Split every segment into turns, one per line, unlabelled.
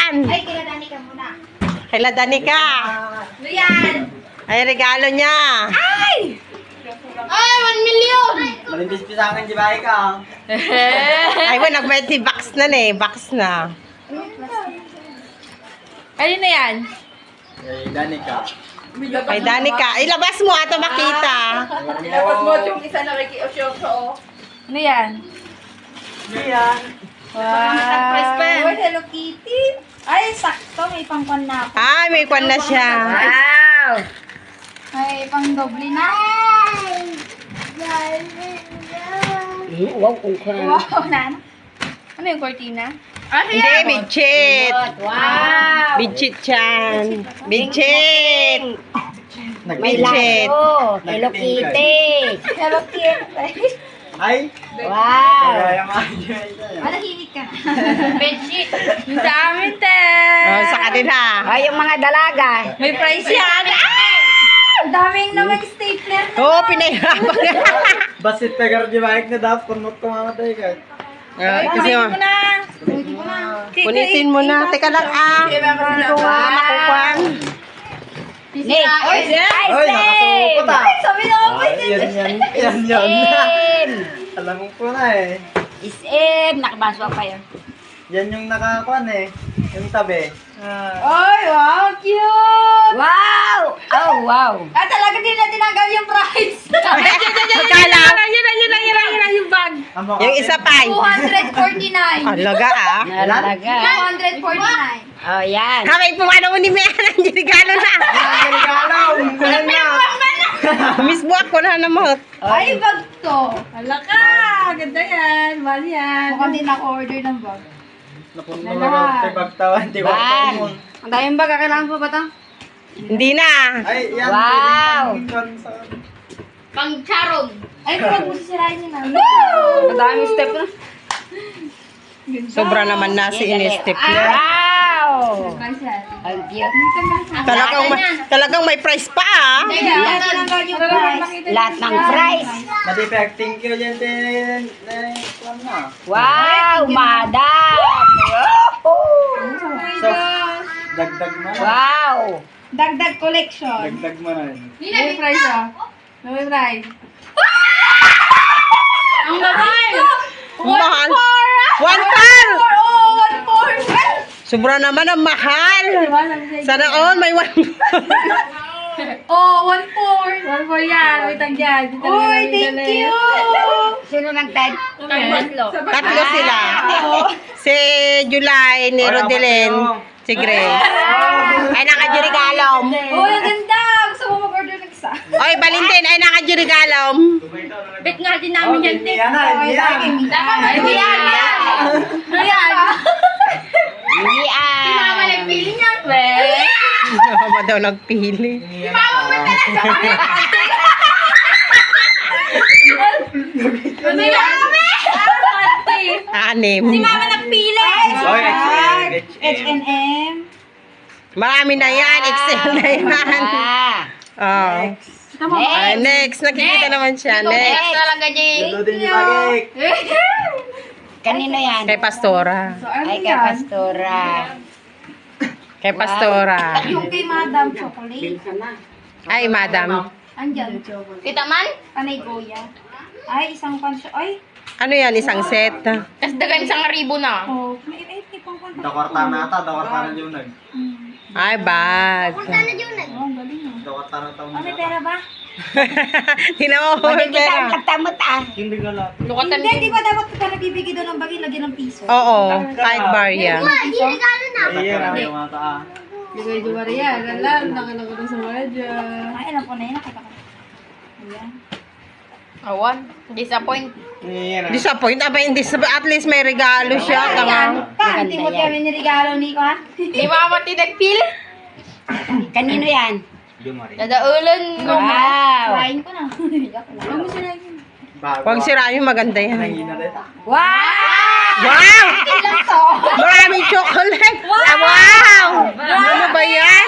yan?
Ay, kila Danica muna.
Kila Danica.
Ano yan?
Ay, regalo niya.
Ay, 1 million!
Malimbis pa sa akin, di ba ikaw?
Ay, nag-20 box na eh. Box na.
Ano na yan?
Eh, Danica.
Ay, Danica. Ilabas mo ato makita.
Ilabas mo yung isa na kikiosyoso. Ano yan?
Yan.
Wow! Surprise pa yan. Hello Kitty. Ay, sakto. May pangkwan na ako.
Ay, may kwan na siya.
Wow! May pang doble na.
Wow, kung ka.
Wow, na. Ano yung cortina?
Hindi, bidchit.
Wow!
Bidchit yan. Bidchit.
May
Bidchit.
laso. Hello Kitty.
Hello Kitty.
Ay!
Wow.
Kaya ma-enjoy sa'yo.
Malahimik ka. Bedsheet. Yung sa amin, te.
Oh, sa kanila.
Ay, yung mga dalaga.
May price yan. Ang daming naman stapler na.
Oo, pinahirapan niya.
Basit pegar di ba na dapat kunot ko mamatay ka.
Kasi
Kunin mo na. Kunin mo na.
punitin mo na. Teka lang Hindi ko makukuhan.
Nick.
Ay, nakasupot ah.
Sabi na ako.
Isim.
Alam ko na eh.
Isim. Nakabaswa pa yun.
Yan yung nakakuan eh. Yung tabi.
Ay, wow, cute.
Wow. Oh, wow.
Ah, talaga din na tinanggal yung price.
Magkala.
Yung bag.
Yung isa pa.
249.
Alaga ah.
Nalaga.
249.
Oh, yan.
Kamay po ano ni Mea ng regalo na.
Regalo! Kulan na!
Miss buwak ko na naman.
Ay, bag to. Hala ka. Ganda yan. Mahal yan. Mukhang din ako-order ng bag.
Napunta na ako. Tibagtawan.
Bag.
Ang daming bag. Kailangan pa ba ito?
Hindi na.
Ay, yan.
Wow.
Pang charong. Ay, pero mo sisirain yun na. Ang daming step na.
Sobra naman na si Inestep niya.
Wow.
Price yan.
Ang cute.
Talagang may price pa ah.
Kaya tinanggal yung price.
Lahat ng price.
Madipek, thank you dyan din. Na.
Wow, madam.
So, dagdag mo na.
Wow.
Dagdag collection.
Dagdag mo na.
May price ah. May price. Ang mahal!
Ang mahal. 1 par! Sobra naman ang mahal. Sana all may 1
Oh, 1-4. 1-4 yan. Wait lang dyan. Uy, thank you!
Sino nang tag?
Tatlo sila. Si July, ni Rodelyn, si Grace. Ay, nakadyurigalom.
Uy, ang ganda! Gusto mo mag-order ng isa?
Oy, Valentin, ay nakadyurigalom.
Bet nga din namin yan,
Hindi yan ah, hindi yan.
Hindi yan! Ayan!
Lian.
Mama nagpili niya.
Mama daw nagpili.
Mama mo talaga! Ano yan?
6.
Mama nagpili!
Oy,
H&M.
Marami na yan, XL na yan. Oh. Ay, next. Nakikita naman siya. Next.
talaga, Jay.
Luto din yung bagay.
Kanino yan?
Kay Pastora.
Ay, kay Pastora.
Kay Pastora.
Yung kay Madam Chocolate.
Ay, madam.
Andyan. Kita man? Panay Goya. Ay, isang pansyo. Ay,
Ano yan, isang set?
tas dagan isang ribo na. Oh, may pang pansyo.
Dakorta na ata, dakorta na yung nag.
Ay, bag.
Oh, ang galing ah.
Dakorta na taon
May pera ba?
Tingnan mo, may
Hindi kita
pera.
ang katamot ah.
Hindi ka lang.
Hindi, di ba dapat ka nabibigay doon ng bagay, lagyan ng piso?
Oo, kahit bar yan.
Iyan ang yung mata ah.
Bigay di ba rin yan? Alam, nakalago na sa medya. Ay, alam ko na yun, nakita ko. Ayan.
Awan, disappoint.
Iyan ang.
Disappoint, aba, hindi at least may regalo siya. Tama.
Pa, hindi mo kami niregalo, Nico, ha?
Di mama tinagpili.
Kanino yan?
Dadaulan.
Wow.
Kain ko na. Huwag mo sila yun.
Huwag sirain yung maganda yan.
Nangina rin.
Wow.
Wow! Maraming chocolate! Wow! Ano ba yan?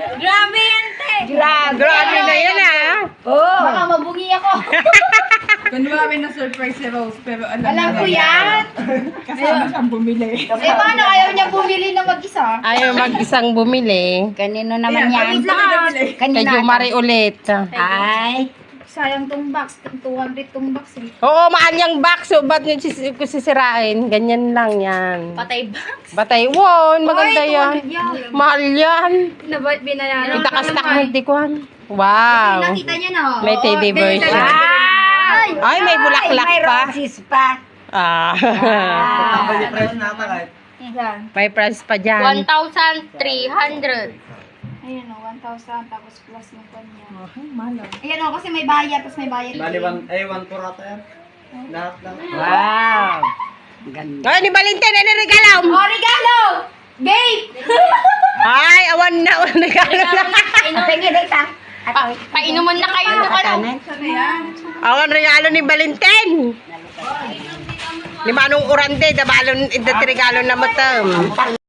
Grabe yan, te!
Grabe.
Grabe na yan ah!
Oh.
Baka mabungi ako. Kunwari na surprise si Rose, pero
Alam ko yan.
kasama siyang bumili.
Eh, paano ayaw niya bumili na mag-isa?
Ayaw mag-isang bumili.
Kanino naman yan?
Kay
Kanina.
Jumari ulit.
Ay.
Sayang tong box. 200 tong box eh.
Oo, mahal yung box. So, ba't nyo sisirain? Ganyan lang yan.
Patay box.
Batay, wow, maganda yan. Mahal yan.
Binayaran.
Itakastak mo, tikwan. Wow.
Nakita niya na.
May teddy bear siya. Ay, may bulaklak
May
pa.
roses pa.
Ah.
Ang bali price na ata kahit.
May price pa dyan.
1,300.
Ayan o, 1,000 tapos plus yung kanya.
Ayan o, kasi may bayad, tapos may bayad.
Bali 1 4 ata yan. Lahat lang.
Wow. Ganda.
Ay, ni Valentin, ano regalo?
Oh, regalo! Babe!
Ay, awan na, regalo na.
Tingin dito.
Painuman na kayo ng ano.
Sana yan?
Awan regalo ni Valentin. Ni Manong Urande, dabalon, regalo na matam.